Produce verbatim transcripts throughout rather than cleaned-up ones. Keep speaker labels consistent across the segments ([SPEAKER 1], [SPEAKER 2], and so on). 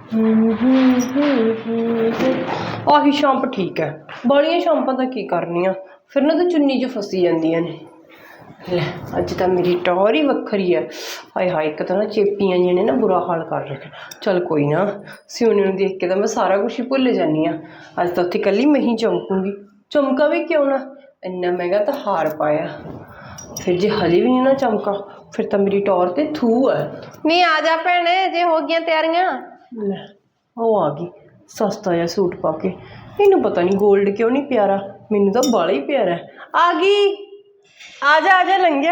[SPEAKER 1] ਆਹੀ ਸ਼ੰਪ ਠੀਕ ਹੈ, ਬਾਲੀਆਂ ਸ਼ੰਪਾਂ ਤਾਂ ਕੀ ਕਰਨੀਆਂ ਫਿਰ ਨਾ ਤਾਂ ਚੁੰਨੀ 'ਚ ਫਸੀ ਜਾਂਦੀਆਂ ਨੇ। ਲੈ ਅੱਜ ਤਾਂ ਮੇਰੀ ਟੌਰ ਹੀ ਵੱਖਰੀ ਹੈ। ਹਾਏ ਹਾਏ ਇੱਕ ਤਾਂ ਨਾ ਚੇਪੀਆਂ ਜਿਹੀਆਂ ਨੇ ਨਾ ਬੁਰਾ ਹਾਲ ਕਰ ਰੱਖਿਆ। ਚੱਲ ਕੋਈ ਨਾ, ਸਿਉਣੇ ਨੂੰ ਦੇਖ ਕੇ ਤਾਂ ਮੈਂ ਸਾਰਾ ਕੁਛ ਹੀ ਭੁੱਲ ਜਾਂਦੀ ਹਾਂ। ਅੱਜ ਤਾਂ ਉੱਥੇ ਇਕੱਲੀ ਮੈਂ ਹੀ ਚਮਕੂੰਗੀ। ਚਮਕਾ ਵੀ ਕਿਉਂ ਨਾ, ਇੰਨਾ ਮਹਿੰਗਾ ਤਾਂ ਹਾਰ ਪਾਇਆ, ਫਿਰ ਜੇ ਹਜੇ ਵੀ ਨਹੀਂ ਨਾ ਚਮਕਾ ਫਿਰ ਤਾਂ ਮੇਰੀ ਟੌਰ ਤੇ ਥੂ ਹੈ।
[SPEAKER 2] ਨਹੀਂ ਆ ਜਾ ਭੈਣੇ, ਜੇ ਹੋ ਗਈਆਂ ਤਿਆਰੀਆਂ।
[SPEAKER 1] ਲੈ ਉਹ ਆ ਗਈ ਸਸਤਾ ਜਿਹਾ ਸੂਟ ਪਾ ਕੇ। ਇਹਨੂੰ ਪਤਾ ਨਹੀਂ ਗੋਲਡ ਕਿਉਂ ਨਹੀਂ ਪਿਆਰਾ, ਮੈਨੂੰ ਤਾਂ ਬਾਲਾ ਹੀ ਪਿਆਰਾ। ਆ ਗਈ, ਆ ਜਾ ਆ ਜਾ ਲੰਘਿਆ।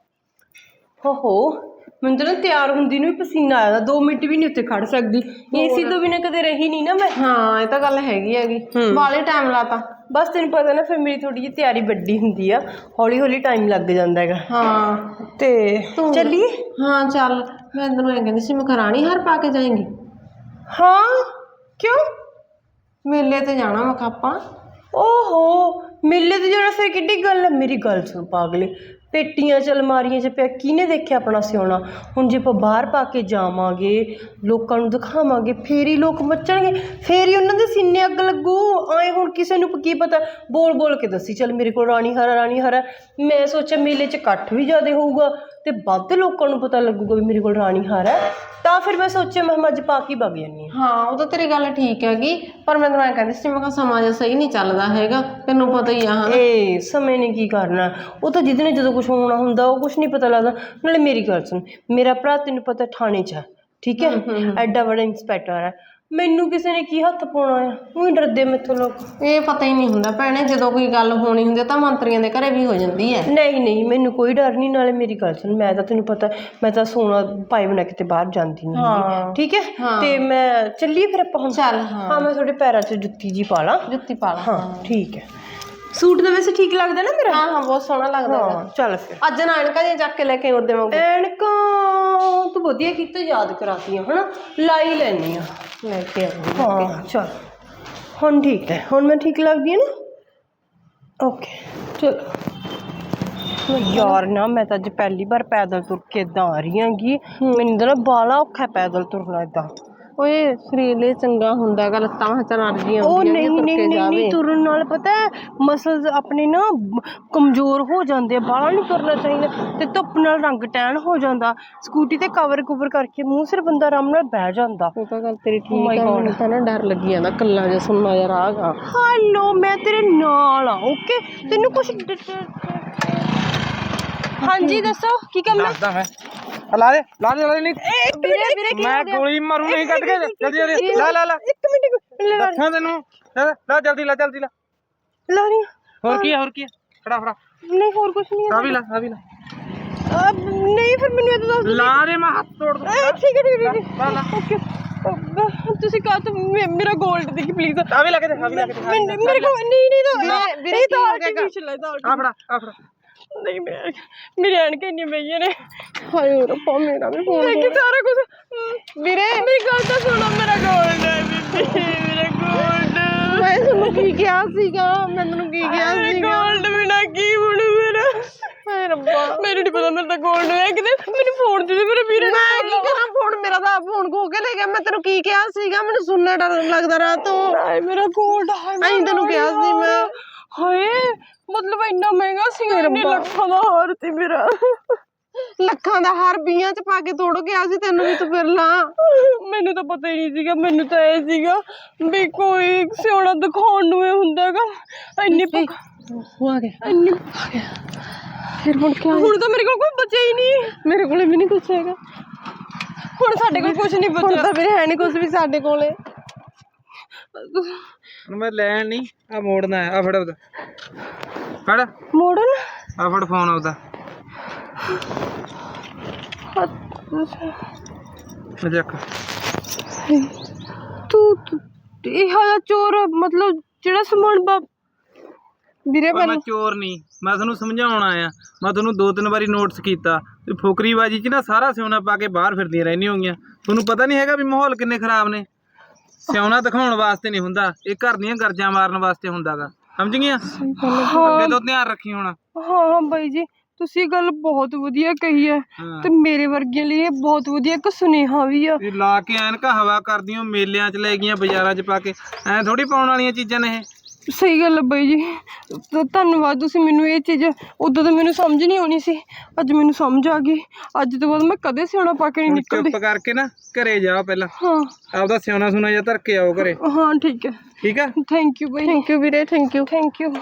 [SPEAKER 1] ਹੋ ਹੋ ਮੈਨੂੰ ਤਾਂ ਨਾ ਤਿਆਰ ਹੁੰਦੀ ਨੂੰ ਵੀ ਪਸੀਨਾ ਆਇਆ, ਦੋ ਮਿੰਟ ਵੀ ਨਹੀਂ ਉੱਥੇ ਖੜ ਸਕਦੀ। ਏਸੀ ਤੋਂ ਬਿਨਾਂ ਕਦੇ ਰਹੀ ਨਹੀਂ ਨਾ ਮੈਂ।
[SPEAKER 2] ਹਾਂ ਇਹ ਤਾਂ ਗੱਲ ਹੈਗੀ ਹੈਗੀ, ਬਾਲੇ ਟਾਈਮ ਲਾਤਾ।
[SPEAKER 1] ਬਸ ਤੈਨੂੰ ਪਤਾ ਨਾ ਫਿਰ ਮੇਰੀ ਥੋੜੀ ਜਿਹੀ ਤਿਆਰੀ ਵੱਡੀ ਹੁੰਦੀ ਆ, ਹੌਲੀ ਹੌਲੀ ਟਾਈਮ ਲੱਗ ਜਾਂਦਾ ਹੈਗਾ।
[SPEAKER 2] ਹਾਂ
[SPEAKER 1] ਤੇ ਚੱਲੀਏ।
[SPEAKER 2] ਹਾਂ ਚੱਲ, ਮੈਂ ਤੈਨੂੰ ਐਂ ਕਹਿੰਦੀ ਸੀ ਮਖਰਾਣੀ ਹਾਰ ਪਾ ਕੇ ਜਾਏਂਗੀ।
[SPEAKER 1] ਹਾਂ ਕਿਉਂ?
[SPEAKER 2] ਮੇਲੇ ਤੇ ਜਾਣਾ ਮੈਂ ਆਪਾਂ।
[SPEAKER 1] ਓਹੋ ਮੇਲੇ ਤੇ ਜਾਣਾ, ਫਿਰ ਕਿੱਡੀ ਗੱਲ ਹੈ। ਮੇਰੀ ਗੱਲ ਸੁਣ ਪਾਗਲੇ, ਪੇਟੀਆਂ 'ਚ ਅਲਮਾਰੀਆਂ 'ਚ ਪਿਆ ਕਿਹਨੇ ਦੇਖਿਆ ਆਪਣਾ ਸਿਉਣਾ? ਹੁਣ ਜੇ ਆਪਾਂ ਬਾਹਰ ਪਾ ਕੇ ਜਾਵਾਂਗੇ, ਲੋਕਾਂ ਨੂੰ ਦਿਖਾਵਾਂਗੇ, ਫੇਰ ਹੀ ਲੋਕ ਮੱਚਣਗੇ, ਫੇਰ ਹੀ ਉਹਨਾਂ ਦੇ ਸੀਨੇ ਅੱਗ ਲੱਗੂ। ਆਏ ਹੁਣ ਕਿਸੇ ਨੂੰ ਕੀ ਪਤਾ, ਬੋਲ ਬੋਲ ਕੇ ਦੱਸੀ ਚੱਲ ਮੇਰੇ ਕੋਲ ਰਾਣੀ ਹਾਰ ਰਾਣੀ ਹਾਰ ਹੈ। ਮੈਂ ਸੋਚਿਆ ਮੇਲੇ 'ਚ ਇਕੱਠ ਵੀ ਜ਼ਿਆਦਾ ਹੋਊਗਾ ਤੇ ਵੱਧ ਲੋਕਾਂ ਨੂੰ ਪਤਾ ਲੱਗੂਗਾ ਵੀ ਮੇਰੇ ਕੋਲ ਰਾਣੀ ਹਾਰ ਹੈ, ਤਾਂ ਫਿਰ ਮੈਂ ਸੋਚਿਆ ਮੈਂ ਅੱਜ ਪਾ ਕੇ ਵਗ ਜਾਂਦੀ ਹਾਂ।
[SPEAKER 2] ਹਾਂ ਉਹ ਤਾਂ ਤੇਰੀ ਗੱਲ ਠੀਕ ਹੈਗੀ, ਪਰ ਮੈਂ ਤੈਨੂੰ ਐਂ ਕਹਿੰਦੀ ਸੀ ਮੈਂ ਕਿਹਾ ਸਮਾਂ ਜਿਹਾ ਸਹੀ ਨਹੀਂ ਚੱਲਦਾ ਹੈਗਾ, ਤੈਨੂੰ ਪਤਾ ਹੀ ਆ। ਹਾਂ
[SPEAKER 1] ਇਹ ਸਮੇਂ ਨੇ ਕੀ ਕਰਨਾ, ਉਹ ਤਾਂ ਜਿਹਦੇ ਨੇ ਜਦੋਂ ਕੁਛ ਹੋਣਾ ਹੁੰਦਾ ਉਹ ਕੁਛ ਨਹੀਂ ਪਤਾ ਲੱਗਦਾ। ਨਾਲੇ ਮੇਰੀ ਗੱਲ ਸੁਣ, ਮੇਰਾ ਭਰਾ ਤੈਨੂੰ ਪਤਾ ਥਾਣੇ 'ਚ ਹੈ, ਠੀਕ ਹੈ, ਐਡਾ ਵੱਡਾ ਇੰਸਪੈਕਟਰ ਹੈ, ਮੈਨੂੰ ਕਿਸੇ ਨੇ ਕੀ ਹੱਥ ਪਾਉਣਾ ਆ? ਉਹ ਡਰਦੇ ਮੈਥੋਂ ਲੋਕ।
[SPEAKER 2] ਇਹ ਪਤਾ ਹੀ ਨਹੀਂ ਹੁੰਦਾ ਭੈਣੇ, ਜਦੋਂ ਕੋਈ ਗੱਲ ਹੋਣੀ ਹੁੰਦੀ ਤਾਂ ਮੰਤਰੀਆਂ ਦੇ ਘਰੇ ਵੀ ਹੋ ਜਾਂਦੀ ਹੈ।
[SPEAKER 1] ਨਹੀਂ ਨਹੀਂ ਮੈਨੂੰ ਕੋਈ ਡਰ ਨਹੀਂ। ਨਾਲੇ ਮੇਰੀ ਗੱਲ ਸੁਣ, ਮੈਂ ਤਾਂ ਤੈਨੂੰ ਪਤਾ ਮੈਂ ਤਾਂ ਸੋਨਾ ਪਾਈ ਬਣਾ ਕਿਤੇ ਬਾਹਰ ਜਾਂਦੀ ਨਹੀਂ, ਠੀਕ ਹੈ। ਤੇ ਮੈਂ ਚੱਲੀਏ ਫਿਰ ਆਪਾਂ ਹੁਣ।
[SPEAKER 2] ਚੱਲ
[SPEAKER 1] ਹਾਂ ਮੈਂ ਤੁਹਾਡੇ ਪੈਰਾਂ 'ਚ ਜੁੱਤੀ ਜੀ ਪਾ ਲਾਂ।
[SPEAKER 2] ਜੁੱਤੀ ਪਾ ਲਾ।
[SPEAKER 1] ਹਾਂ ਠੀਕ ਹੈ। ਸੂਟ ਤਾਂ ਵੈਸੇ ਠੀਕ ਲੱਗਦਾ ਨਾ ਮੇਰਾ?
[SPEAKER 2] ਹਾਂ ਹਾਂ ਬਹੁਤ ਸੋਹਣਾ ਲੱਗਦਾ।
[SPEAKER 1] ਹਾਂ ਚੱਲ ਫਿਰ
[SPEAKER 2] ਅੱਜ ਨਾ ਐਨਕਾਂ ਜਿਹੀਆਂ ਚੱਕ ਕੇ ਲੈ ਕੇ ਉਹਦੇ ਵਾਂਗੂ।
[SPEAKER 1] ਐਨਕਾਂ ਤੂੰ ਵਧੀਆ ਕੀਤਾ ਯਾਦ ਕਰਾਤੀਆਂ, ਹਨਾ ਲਾਈ ਲੈਣੀ ਆ,
[SPEAKER 2] ਲੈ ਕੇ ਆਉਂਗੀ।
[SPEAKER 1] ਹਾਂ ਚੱਲ ਹੁਣ ਠੀਕ ਹੈ, ਹੁਣ ਮੈਂ ਠੀਕ ਲੱਗਦੀ ਹੈ ਨਾ? ਓਕੇ ਚਲੋ। ਯਾਰ ਨਾ ਮੈਂ ਤਾਂ ਅੱਜ ਪਹਿਲੀ ਵਾਰ ਪੈਦਲ ਤੁਰ ਕੇ ਇੱਦਾਂ ਆ ਰਹੀ ਹੈਗੀ, ਮੈਨੂੰ ਤਾਂ ਨਾ ਬਾਲਾ ਔਖਾ ਪੈਦਲ ਤੁਰਨਾ ਇੱਦਾਂ।
[SPEAKER 2] ਓਏ ਸਰੀਰ ਲਈ ਚੰਗਾ ਹੁੰਦਾ ਗਾ, ਲੱਤਾਂ ਹੱਥਾਂ ਅੜਦੀਆਂ
[SPEAKER 1] ਉਹ
[SPEAKER 2] ਹੁੰਦੀਆਂ
[SPEAKER 1] ਨਹੀਂ ਨਹੀਂ ਨਹੀਂ ਨਹੀਂ ਤੁਰਨ ਨਾਲ ਪਤਾ ਮਸਲਸ ਆਪਣੇ ਨਾ ਕਮਜ਼ੋਰ ਹੋ ਜਾਂਦੇ ਆ, ਬਾਹਲਾ ਨਹੀਂ ਤੁਰਨਾ ਚਾਹੀਦਾ। ਤੇ ਧੁੱਪ ਨਾਲ ਰੰਗ ਟੈਨ ਹੋ ਜਾਂਦਾ, ਸਕੂਟੀ ਤੇ ਕਵਰ ਕੁਵਰ ਕਰਕੇ ਮੂੰਹ ਸਿਰ ਬੰਦਾ ਆਰਾਮ ਨਾਲ ਬਹਿ ਜਾਂਦਾ।
[SPEAKER 2] ਉਹ ਤਾਂ ਗੱਲ ਤੇਰੀ ਠੀਕ ਆ, ਮੈਨੂੰ ਤਾਂ ਨਾ ਡਰ ਲੱਗੀ ਜਾਂਦਾ ਕੱਲਾ ਜਿਹਾ ਸੁਣਨਾ ਜਿਹਾ ਰਾਹ ਗਾ।
[SPEAKER 1] ਹੈਲੋ ਮੈਂ ਤੇਰੇ ਨਾਲ ਆ, ਓਕੇ ਤੈਨੂੰ ਕੁਛ ਹਾਂਜੀ ਦੱਸੋ ਕੀ ਕੰਮ ਹੈ?
[SPEAKER 3] ਦੱਸਦਾ ਮੈਂ ਲਾ ਦੇ ਲਾ ਦੇ ਲਾ ਦੇ ਨਹੀਂ
[SPEAKER 1] ਵੀਰੇ ਵੀਰੇ ਕੀ
[SPEAKER 3] ਮੈਂ ਗੋਲੀ ਮਾਰੂ ਨਹੀਂ ਕੱਢ ਕੇ। ਜਲਦੀ ਜਲਦੀ ਲਾ ਲਾ ਲਾ
[SPEAKER 1] ਇੱਕ ਮਿੰਟ
[SPEAKER 3] ਦੱਸਾਂ ਤੈਨੂੰ, ਲਾ ਜਲਦੀ ਲਾ ਜਲਦੀ ਲਾ
[SPEAKER 1] ਲਾ ਰਹੀ
[SPEAKER 3] ਹੋਰ ਕੀ ਹੈ ਹੋਰ ਕੀ ਹੈ ਫੜਾ ਫੜਾ।
[SPEAKER 1] ਨਹੀਂ ਹੋਰ ਕੁਛ ਨਹੀਂ
[SPEAKER 3] ਆ ਵੀ ਲਾ ਆ ਵੀ ਲਾ
[SPEAKER 1] ਨਹੀਂ ਫਿਰ ਮੈਨੂੰ ਇਹ ਦੱਸ
[SPEAKER 3] ਲਾ ਦੇ ਮੈਂ ਹੱਥ ਤੋੜ ਦੂੰ।
[SPEAKER 1] ਠੀਕ ਹੈ ਠੀਕ ਹੈ
[SPEAKER 3] ਲਾ ਲਾ
[SPEAKER 1] ਓਕੇ। ਤੁਸੀਂ ਕਹਾ ਤਾਂ ਮੇਰਾ ਗੋਲਡ ਦੇਖੀ ਪਲੀਜ਼।
[SPEAKER 3] ਆ ਵੀ ਲਾ ਕੇ ਦੇ ਆ ਵੀ ਲਾ ਕੇ ਦੇ
[SPEAKER 1] ਮੇਰੇ ਕੋਲ ਨਹੀਂ ਨਹੀਂ ਤਾਂ
[SPEAKER 2] ਵੀਰੇ
[SPEAKER 1] ਤਾਂ ਆਰਟੀਫੀਸ਼ੀਅਲ ਹੈ, ਤਾਂ
[SPEAKER 3] ਆ ਫੜਾ ਆ ਫੜਾ।
[SPEAKER 1] ਨਹੀਂ ਮੇਰੇ ਮੇਰੀ ਐਨਕਾਂ ਇੰਨੀਆਂ ਮਹਿੰਗੀਆਂ ਨੇ।
[SPEAKER 2] ਹਾਏ ਰੱਬਾ ਮੇਰਾ ਵੀ ਫੋਨ
[SPEAKER 1] ਮੈਂ ਕਿ ਸਾਰਾ ਕੁਝ
[SPEAKER 2] ਵੀਰੇ
[SPEAKER 1] ਮੇਰੀ ਗੱਲ ਤਾਂ ਸੁਣੋ, ਮੇਰਾ ਗੋਲਡ ਹੈ ਬੀਬੀ, ਮੇਰਾ ਗੋਲਡ।
[SPEAKER 2] ਮੈਂ ਤੁਹਾਨੂੰ ਕੀ ਕਿਹਾ ਸੀਗਾ, ਮੈਂ ਤੈਨੂੰ ਕੀ ਕਿਹਾ ਸੀਗਾ?
[SPEAKER 1] ਗੋਲਡ ਬਿਨਾ ਕੀ ਬਣੂ ਮੇਰਾ?
[SPEAKER 2] ਹਾਏ ਰੱਬਾ
[SPEAKER 1] ਮੈਨੂੰ ਨਹੀਂ ਪਤਾ, ਮੇਰਾ ਤਾਂ ਗੋਲਡ ਹੈ ਕਿਤੇ। ਮੈਨੂੰ ਫੋਨ ਦੇ ਦੇ ਮੇਰੇ ਵੀਰੇ।
[SPEAKER 2] ਮੈਂ ਕੀ ਕਰਾਂ, ਫੋਨ ਮੇਰਾ ਤਾਂ ਫੋਨ ਖੋ ਕੇ ਲੈ ਗਿਆ। ਮੈਂ ਤੈਨੂੰ ਕੀ ਕਿਹਾ ਸੀਗਾ, ਮੈਨੂੰ ਸੁਣਨਾ ਡਰ ਲੱਗਦਾ ਰਾਤ ਤੋਂ।
[SPEAKER 1] ਹਾਏ ਮੇਰਾ ਗੋਲਡ ਹੈ,
[SPEAKER 2] ਐਂ ਤੈਨੂੰ ਕਿਹਾ ਸੀ ਮੈਂ।
[SPEAKER 1] ਹਾਏ ਮਤਲਬ ਇੰਨਾ ਮਹਿੰਗਾ ਸੀ, ਇੰਨੇ ਲੱਖਾਂ ਦਾ ਹਾਰ ਸੀ ਮੇਰਾ।
[SPEAKER 2] ਲੱਖਾਂ ਦਾ ਹਾਰ ਵੀਹਾਂ ਚ ਪਾ ਕੇ ਤੋੜ ਗਿਆ ਸੀ ਤੈਨੂੰ ਵੀ, ਤੂੰ ਫਿਰ ਲਾ।
[SPEAKER 1] ਮੈਨੂੰ ਤਾਂ ਪਤਾ ਹੀ ਨਹੀਂ ਸੀਗਾ, ਮੈਨੂੰ ਤਾਂ ਇਹ ਸੀਗਾ ਵੀ ਕੋਈ ਸਿਉਣਾ ਦਿਖਾਉਣ ਨੂੰ ਇਹ ਹੁੰਦਾ ਹੈਗਾ। ਇੰਨੀ
[SPEAKER 2] ਉਹ ਆ ਗਿਆ
[SPEAKER 1] ਇੰਨੀ
[SPEAKER 2] ਫਿਰ ਹੁਣ ਕਿਆ?
[SPEAKER 1] ਹੁਣ ਤਾਂ ਮੇਰੇ ਕੋਲ ਕੋਈ ਬਚਿਆ ਹੀ ਨਹੀਂ।
[SPEAKER 2] ਮੇਰੇ ਕੋਲੇ ਵੀ ਨਹੀਂ ਕੁਛ ਹੈਗਾ
[SPEAKER 1] ਹੁਣ ਸਾਡੇ ਕੋਲ ਕੁਝ ਨਹੀਂ
[SPEAKER 2] ਹੁਣ
[SPEAKER 1] ਬਚਿਆ।
[SPEAKER 2] ਤਾਂ ਵੀਰੇ ਹੈ ਨਹੀਂ ਕੁਛ ਵੀ ਸਾਡੇ ਕੋਲੇ।
[SPEAKER 3] ਹੁਣ ਮੈਂ ਲੈਣ ਨਹੀਂ ਆ ਮੋੜਨਾ ਆ ਫੜ ਉਹਦਾ ਫੜ
[SPEAKER 1] ਮੋੜਨ
[SPEAKER 3] ਆ ਫੜ ਫੋਨ ਉਹਦਾ ਦੇਖ
[SPEAKER 1] ਤੂੰ ਇਹ ਹਾਲਾ ਚੋਰ ਮਤਲਬ ਜਿਹੜਾ ਸਮਾਨ ਬਾ
[SPEAKER 2] ਵੀਰੇ
[SPEAKER 3] ਮੈਂ ਚੋਰ ਨਹੀਂ, ਮੈਂ ਤੁਹਾਨੂੰ ਸਮਝਾਉਣ ਆਇਆ। ਮੈਂ ਤੁਹਾਨੂੰ ਦੋ ਤਿੰਨ ਵਾਰੀ ਨੋਟਿਸ ਕੀਤਾ ਵੀ ਫੁਕਰੀਬਾਜੀ 'ਚ ਨਾ ਸਾਰਾ ਸਿਉਣਾ ਪਾ ਕੇ ਬਾਹਰ ਫਿਰਦੀਆਂ ਰਹਿੰਦੀਆਂ ਹੋਗੀਆਂ। ਤੁਹਾਨੂੰ ਪਤਾ ਨਹੀਂ ਹੈਗਾ ਵੀ ਮਾਹੌਲ ਕਿੰਨੇ ਖਰਾਬ ਨੇ। ਸਿਉਣਾ ਦਿਖਾਉਣ ਵਾਸਤੇ ਨਹੀਂ ਹੁੰਦਾ, ਇਹ ਘਰ ਦੀਆਂ ਗਰਜਾਂ ਮਾਰਨ ਵਾਸਤੇ ਹੁੰਦਾ ਗਾ, ਸਮਝ ਗਈਆਂ? ਅੱਗੇ ਤੋਂ ਧਿਆਨ ਰੱਖੀ ਹੁਣ।
[SPEAKER 1] ਹਾਂ ਹਾਂ ਬਾਈ ਜੀ ਤੁਸੀਂ ਇਹ ਗੱਲ ਬਹੁਤ ਵਧੀਆ ਕਹੀ ਹੈ
[SPEAKER 3] ਹਾਂ।
[SPEAKER 1] ਤੇ ਮੇਰੇ ਵਰਗਿਆਂ ਲਈ ਇਹ ਬਹੁਤ ਵਧੀਆ ਇੱਕ ਸੁਨੇਹਾ ਵੀ ਆ।
[SPEAKER 3] ਇਹ ਲਾ ਕੇ ਐਨਕਾਂ ਹਵਾ ਕਰਦੀਆਂ ਮੇਲਿਆਂ 'ਚ ਲੈ ਗਈਆਂ ਬਾਜ਼ਾਰਾਂ 'ਚ ਪਾ ਕੇ, ਐ ਥੋੜੀ ਪਾਉਣ ਵਾਲੀਆਂ ਚੀਜ਼ਾਂ ਨੇ ਇਹ।
[SPEAKER 1] ਸਹੀ ਗੱਲ ਹੈ ਬਾਈ ਜੀ, ਧ- ਧੰਨਵਾਦ ਤੁਸੀਂ ਮੈਨੂੰ ਇਹ ਚੀਜ਼, ਉਦੋਂ ਤਾਂ ਮੈਨੂੰ ਸਮਝ ਨਹੀਂ ਆਉਣੀ ਸੀ, ਅੱਜ ਮੈਨੂੰ ਸਮਝ ਆ ਗਈ। ਅੱਜ ਤੋਂ ਬਾਅਦ ਮੈਂ ਕਦੇ ਸਿਆਣਾ ਪਾ ਕੇ ਨਹੀਂ
[SPEAKER 3] ਹੁਣ
[SPEAKER 1] ਨਿਕਲਦੀ।
[SPEAKER 3] ਚੁੱਪ ਕਰਕੇ ਨਾ ਘਰੇ ਜਾ ਪਹਿਲਾਂ,
[SPEAKER 1] ਹਾਂ
[SPEAKER 3] ਆਪਦਾ ਸਿਆਣਾ ਸੁਣਾ ਜਿਹਾ ਧਰ ਕੇ ਆਓ ਘਰੇ,
[SPEAKER 1] ਹਾਂ ਠੀਕ ਹੈ,
[SPEAKER 3] ਠੀਕ ਆ।
[SPEAKER 1] ਥੈਂਕ ਯੂ ਬਾਈ।
[SPEAKER 2] ਥੈਂਕ ਯੂ ਵੀਰੇ, ਥੈਂਕ ਯੂ।
[SPEAKER 1] Thank you.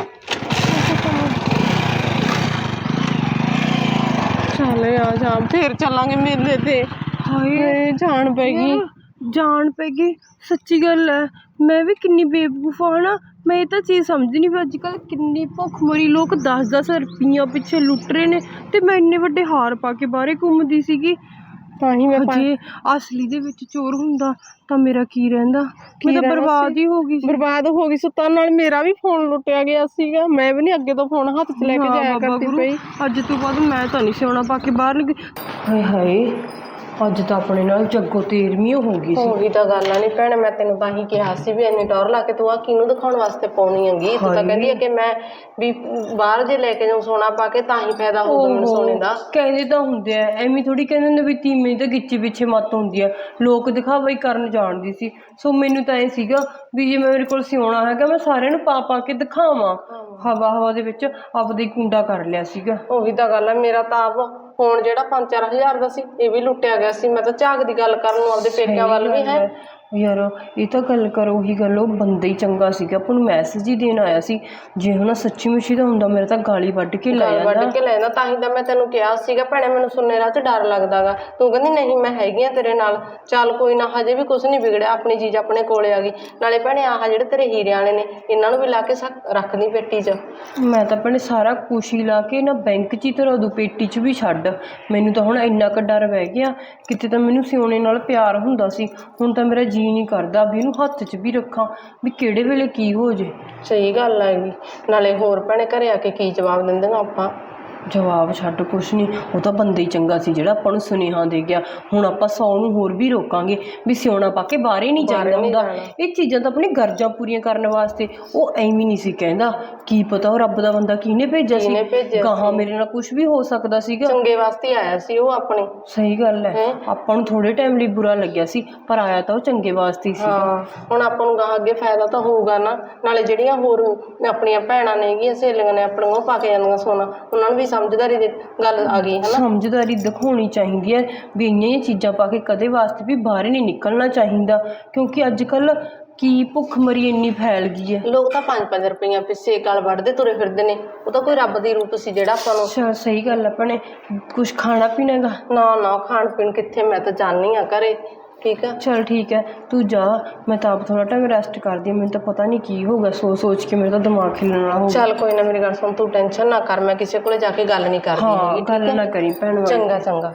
[SPEAKER 2] ਚੱਲ ਆ ਜਾ, ਫੇਰ ਚੱਲਾਂਗੇ ਮੇਲੇ ਤੇ।
[SPEAKER 1] ਹਾਏ
[SPEAKER 2] ਹਾਏ ਜਾਣ ਪੈ ਗਈ।
[SPEAKER 1] ਯਾਰ, ਜਾਣ ਪੈ ਗਈ, ਸੱਚੀ ਗੱਲ ਹੈ। ਮੈਂ ਵੀ ਕਿੰਨੀ ਬੇਵਕੂਫ ਹਾਂ ਨਾ, ਮੈਂ ਇਹ ਤਾਂ ਚੀਜ਼ ਸਮਝਦੀ ਨਹੀਂ ਵੀ ਅੱਜ ਕੱਲ੍ਹ ਕਿੰਨੀ ਭੁੱਖਮਰੀ ਲੋਕ ਦਸ ਦਸ ਰੁਪਈਆਂ ਪਿੱਛੇ ਲੁੱਟ ਰਹੇ ਨੇ, ਤੇ ਮੈਂ ਇੰਨੇ ਵੱਡੇ ਹਾਰ ਪਾ ਕੇ ਬਾਹਰੇ ਘੁੰਮਦੀ ਸੀਗੀ।
[SPEAKER 2] ਤਾਂ ਹੀ ਮੈਂ ਪਾ-
[SPEAKER 1] ਜੇ ਅਸਲੀ ਦੇ ਵਿੱਚ ਚੋਰ ਹੁੰਦਾ ਤਾਂ ਮੇਰਾ ਕੀ ਰਹਿੰਦਾ, ਮੈਂ ਤਾਂ
[SPEAKER 2] ਰਹਿਣਾ
[SPEAKER 1] ਬਰਬਾਦ
[SPEAKER 2] ਸੀ?
[SPEAKER 1] ਹੀ ਹੋ ਗਈ ਸੀ।
[SPEAKER 2] ਬਰਬਾਦ ਹੋ ਗਈ ਸੁੱਤਾ ਨਾਲ, ਮੇਰਾ ਵੀ ਫੋਨ ਲੁੱਟਿਆ ਗਿਆ ਸੀਗਾ। ਮੈਂ ਵੀ ਨਹੀਂ ਅੱਗੇ ਤੋਂ ਫੋਨ ਹੱਥ 'ਚ ਲੈ ਕੇ
[SPEAKER 1] ਹਾਂ
[SPEAKER 2] ਜਾਇਆ
[SPEAKER 1] ਬਾਬਾ
[SPEAKER 2] ਕਰਦੀ
[SPEAKER 1] ਗੁਰੂ,
[SPEAKER 2] ਪਈ।
[SPEAKER 1] ਅੱਜ ਤੋਂ ਬਾਅਦ ਮੈਂ ਤਾਂ ਨਹੀਂ ਸਿਉਣਾ ਪਾ ਕੇ ਬਾਹਰ ਨਿਕਲੀ। ਹਾਏ ਹਾਏ, ਅੱਜ ਤਾਂ ਆਪਣੇ ਨਾਲ ਜੱਗੋ ਤੇਰਵੀਂ ਹੋ ਗਈ ਸੀ।
[SPEAKER 2] ਉਹੀ ਤਾਂ ਗੱਲ ਆ। ਨਹੀਂ ਭੈਣੇ, ਮੈਂ ਤੈਨੂੰ ਤਾਂ ਹੀ ਕਿਹਾ ਸੀ ਵੀ ਇੰਨੀ ਟੌਰ ਲਾ ਕੇ ਤੂੰ ਆ ਕਿਹਨੂੰ ਦਿਖਾਉਣ ਵਾਸਤੇ ਪਾਉਣੀ ਹੈਗੀ। ਤੂੰ ਤਾਂ
[SPEAKER 1] ਹਾਏ।
[SPEAKER 2] ਕਹਿੰਦੀ ਹੈ ਕਿ ਮੈਂ ਵੀ ਬਾਹਰ ਜੇ ਲੈ ਕੇ ਜਾਉਂ ਸੋਨਾ ਪਾ ਕੇ ਤਾਂ ਹੀ ਫਾਇਦਾ ਹੋਊਗਾ ਮੈਨੂੰ
[SPEAKER 1] ਓਹੋ,
[SPEAKER 2] ਸੋਨੇ ਦਾ।
[SPEAKER 1] ਕਹਿੰਦੇ ਤਾਂ ਹੁੰਦੇ ਆ, ਐਵੇਂ ਥੋੜੀ ਕਹਿੰਦੇ ਹੁੰਦੇ ਵੀ ਤੀਵੀਂ ਤਾਂ ਗਿੱਚੀ ਪਿੱਛੇ ਮੱਤ ਹੁੰਦੀ ਆ। ਲੋਕ ਦਿਖਾਵਾ ਹੀ ਕਰਨ ਜਾਣਦੀ ਸੀ। ਸੋ ਮੈਨੂੰ ਤਾਂ ਇਹ ਸੀਗਾ ਵੀ ਜੇ ਮੇਰੇ ਕੋਲ ਸਿਉਣਾ ਹੈਗਾ, ਮੈਂ ਸਾਰਿਆਂ ਨੂੰ ਪਾ ਪਾ ਕੇ ਦਿਖਾਵਾਂ। ਹਵਾ ਹਵਾ ਦੇ ਵਿੱਚ ਆਪਦਾ ਹੀ ਕੁੰਡਾ ਕਰ ਲਿਆ ਸੀਗਾ।
[SPEAKER 2] ਉਹੀ ਤਾਂ ਗੱਲ ਆ। ਮੇਰਾ ਤਾਂ ਆਪ ਫੋਨ ਜਿਹੜਾ ਪੰਜ ਚਾਰ ਹਜ਼ਾਰ ਦਾ ਸੀ, ਇਹ ਵੀ ਲੁੱਟਿਆ ਗਿਆ ਸੀ। ਮੈਂ ਤਾਂ ਝਾਕ ਦੀ ਗੱਲ ਕਰਨ ਨੂੰ ਆਪਦੇ ਪੇਕਿਆਂ ਵੱਲ ਵੀ ਹੈ।
[SPEAKER 1] ਯਾਰ ਇਹ ਤਾਂ ਗੱਲ ਕਰੋ, ਉਹੀ ਗੱਲ, ਉਹ ਬੰਦਾ ਹੀ ਚੰਗਾ ਸੀਗਾ, ਆਪਾਂ ਨੂੰ ਮੈਸੇਜ ਹੀ ਦੇਣ ਆਇਆ ਸੀ। ਜੇ ਹੁਣ ਸੱਚੀ ਮੁੱਚੀ ਦਾ ਹੁੰਦਾ, ਮੇਰਾ ਤਾਂ ਗਾਲੀ ਵੱਢ ਕੇ ਲੈ
[SPEAKER 2] ਗਾਲ ਵੱਢ
[SPEAKER 1] ਜਾਂਦਾ।
[SPEAKER 2] ਕੇ ਲੈ ਜਾਂਦਾ। ਤਾਂ ਹੀ ਤਾਂ ਮੈਂ ਤੈਨੂੰ ਕਿਹਾ ਸੀਗਾ ਭੈਣੇ, ਮੈਨੂੰ ਸੁਣਨੇ ਰਾਹ 'ਚ ਡਰ ਲੱਗਦਾ ਗਾ। ਤੂੰ ਕਹਿੰਦੀ ਨਹੀਂ ਮੈਂ ਹੈਗੀ ਆ ਤੇਰੇ ਨਾਲ, ਚੱਲ ਕੋਈ ਨਾ, ਹਜੇ ਵੀ ਕੁਝ ਨਹੀਂ ਵਿਗੜਿਆ, ਆਪਣੀ ਚੀਜ਼ ਆਪਣੇ ਕੋਲੇ ਆ ਗਈ। ਨਾਲੇ ਭੈਣੇ ਆਹ ਜਿਹੜੇ ਤੇਰੇ ਹੀਰੇ ਵਾਲੇ ਨੇ, ਇਹਨਾਂ ਨੂੰ ਵੀ ਲਾ ਕੇ ਸਕ- ਰੱਖਦੀ ਪੇਟੀ 'ਚ।
[SPEAKER 1] ਮੈਂ ਤਾਂ ਆਪਣੇ ਸਾਰਾ ਕੁਛ ਹੀ ਲਾ ਕੇ ਨਾ ਬੈਂਕ 'ਚ ਹੀ ਧਰਾ ਦੂ, ਪੇਟੀ 'ਚ ਵੀ ਛੱਡ। ਮੈਨੂੰ ਤਾਂ ਹੁਣ ਇੰਨਾ ਕੁ ਡਰ ਬਹਿ ਗਿਆ, ਕਿਤੇ ਤਾਂ ਮੈਨੂੰ ਸਿਉਣੇ ਨਾਲ ਪਿਆਰ ਹੁੰਦਾ ਸੀ, ਹੁਣ ਤਾਂ ਮੇਰਾ ਜੀ ਨਹੀਂ ਕਰਦਾ ਵੀ ਇਹਨੂੰ ਹੱਥ 'ਚ ਵੀ ਰੱਖਾਂ, ਵੀ ਕਿਹੜੇ ਵੇਲੇ ਕੀ ਹੋ ਜੇ।
[SPEAKER 2] ਸਹੀ ਗੱਲ ਹੈਗੀ। ਨਾਲੇ ਹੋਰ ਭੈਣੇ ਘਰੇ ਆ ਕੇ ਕੀ ਜਵਾਬ ਦਿੰਦੇ ਆਪਾਂ।
[SPEAKER 1] ਜਵਾਬ ਛੱਡ, ਕੁਛ ਨਹੀਂ, ਉਹ ਤਾਂ ਬੰਦਾ ਹੀ ਚੰਗਾ ਸੀ ਜਿਹੜਾ ਆਪਾਂ ਨੂੰ ਸੁਨੇਹਾ ਦੇ ਗਿਆ। ਹੁਣ ਆਪਾਂ ਸੌ ਨੂੰ ਹੋਰ ਵੀ ਰੋਕਾਂਗੇ ਵੀ ਸਿਉਣਾ ਪਾ ਕੇ ਬਾਹਰ ਹੀ ਨਹੀਂ ਜਾਣਾ ਹੁੰਦਾ। ਇਹ ਚੀਜ਼ਾਂ ਤਾਂ ਆਪਣੀ ਗਰਜਾਂ ਪੂਰੀਆਂ ਕਰਨ ਵਾਸਤੇ, ਉਹ ਐਵੇਂ ਨਹੀਂ ਸੀ ਕਹਿੰਦਾ। ਕੀ ਪਤਾ ਉਹ ਰੱਬ ਦਾ ਬੰਦਾ ਕਿਹਨੇ ਭੇਜਿਆ ਸੀ, ਗਾਹਾਂ ਮੇਰੇ ਨਾਲ ਕੁਝ ਵੀ ਹੋ ਸਕਦਾ ਸੀਗਾ।
[SPEAKER 2] ਚੰਗੇ ਵਾਸਤੇ ਹੀ ਆਇਆ ਸੀ ਉਹ ਆਪਣੇ।
[SPEAKER 1] ਸਹੀ ਗੱਲ ਹੈ, ਆਪਾਂ ਨੂੰ ਥੋੜੇ ਟਾਈਮ ਲਈ ਬੁਰਾ ਲੱਗਿਆ ਸੀ, ਪਰ ਆਇਆ ਤਾਂ ਉਹ ਚੰਗੇ ਵਾਸਤੇ ਹੀ ਸੀ।
[SPEAKER 2] ਹਾਂ, ਹੁਣ ਆਪਾਂ ਨੂੰ ਗਾਹਾਂ ਅੱਗੇ ਫਾਇਦਾ ਤਾਂ ਹੋਊਗਾ ਨਾ। ਨਾਲੇ ਜਿਹੜੀਆਂ ਹੋਰ ਆਪਣੀਆਂ ਭੈਣਾਂ ਨੇਗੀਆਂ, ਸਹੇਲੀਆਂ ਨੇ ਆਪਣੀਆਂ, ਉਹ ਪਾ ਕੇ ਜਾਂਦੀਆਂ ਸੋਨਾ, ਉਹਨਾਂ ਨੂੰ ਵੀ ਸਮਝਦਾਰੀ ਦੀ ਗੱਲ ਆ ਗਈ ਹੈ ਨਾ।
[SPEAKER 1] ਸਮਝਦਾਰੀ ਦਿਖਾਉਣੀ ਚਾਹੀਦੀ ਹੈ ਵੀ ਇੰਨੀਆਂ ਹੀ ਚੀਜ਼ਾਂ ਪਾ ਕੇ ਕਦੇ ਵਾਸਤੇ ਵੀ ਬਾਹਰ ਨਹੀਂ ਨਿਕਲਣਾ ਚਾਹੀਦਾ, ਕਿਉਂਕਿ ਅੱਜ ਕੱਲ੍ਹ ਕੀ ਭੁੱਖਮਰੀ ਇੰਨੀ ਫੈਲ ਗਈ ਹੈ।
[SPEAKER 2] ਲੋਕ ਤਾਂ ਪੰਜ ਪੰਜ ਰੁਪਈਆਂ ਪਿੱਛੇ ਗਲ ਵੱਢਦੇ ਤੁਰੇ ਫਿਰਦੇ ਨੇ। ਉਹ ਤਾਂ ਕੋਈ ਰੱਬ ਦੀ ਰੂਪ ਸੀ ਜਿਹੜਾ ਆਪਾਂ ਨੂੰ।
[SPEAKER 1] ਅੱਛਾ, ਸਹੀ ਗੱਲ ਆਪਣੇ ਕੁਛ ਖਾਣਾ ਪੀਣਾ ਗਾ।
[SPEAKER 2] ਨਾ ਨਾ, ਖਾਣ ਪੀਣ ਕਿੱਥੇ, ਮੈਂ ਤਾਂ ਜਾਣੀ ਆ ਘਰੇ। ਠੀਕ ਆ,
[SPEAKER 1] ਚਲ ਠੀਕ ਹੈ, ਤੂੰ ਜਾ, ਮੈਂ ਤਾਂ ਆਪ ਥੋੜਾ ਟਾਈਮ ਰੈਸਟ ਕਰਦੀ ਹਾਂ। ਮੈਨੂੰ ਤਾਂ ਪਤਾ ਨਹੀਂ ਕੀ ਹੋਊਗਾ, ਸੋਚ ਸੋਚ ਕੇ ਮੇਰਾ ਤਾਂ ਦਿਮਾਗ ਹਿੱਲਣ ਵਾਲਾ ਹੋ ਗਿਆ।
[SPEAKER 2] ਚੱਲ ਕੋਈ ਨਾ, ਮੇਰੀ ਗੱਲ ਸੁਣ, ਤੂੰ ਟੈਨਸ਼ਨ ਨਾ ਕਰ, ਮੈਂ ਕਿਸੇ ਕੋਲੇ ਜਾ ਕੇ ਗੱਲ ਨਹੀਂ ਕਰਦੀ
[SPEAKER 1] ਹਾਂ,
[SPEAKER 2] ਹੈਗੀ, ਠੀਕ
[SPEAKER 1] ਗੱਲ
[SPEAKER 2] ਆ?
[SPEAKER 1] ਨਾ ਕਰੀ ਭੈਣ ਵਾਲੀ।
[SPEAKER 2] ਚੰਗਾ ਚੰਗਾ।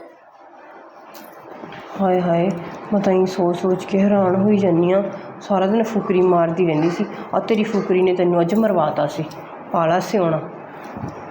[SPEAKER 1] ਹਾਏ ਹਾਏ, ਮੈਂ ਤਾਂ ਹੀ ਸੋਚ ਸੋਚ ਕੇ ਹੈਰਾਨ ਹੋਈ ਜਾਂਦੀ ਹਾਂ। ਸਾਰਾ ਦਿਨ ਫੁਕਰੀ ਮਾਰਦੀ ਰਹਿੰਦੀ ਸੀ, ਆ ਤੇਰੀ ਫੁਕਰੀ ਨੇ ਤੈਨੂੰ ਅੱਜ ਮਰਵਾਤਾ ਸੀ। ਪਾਲਾ ਸਿਉਣਾ।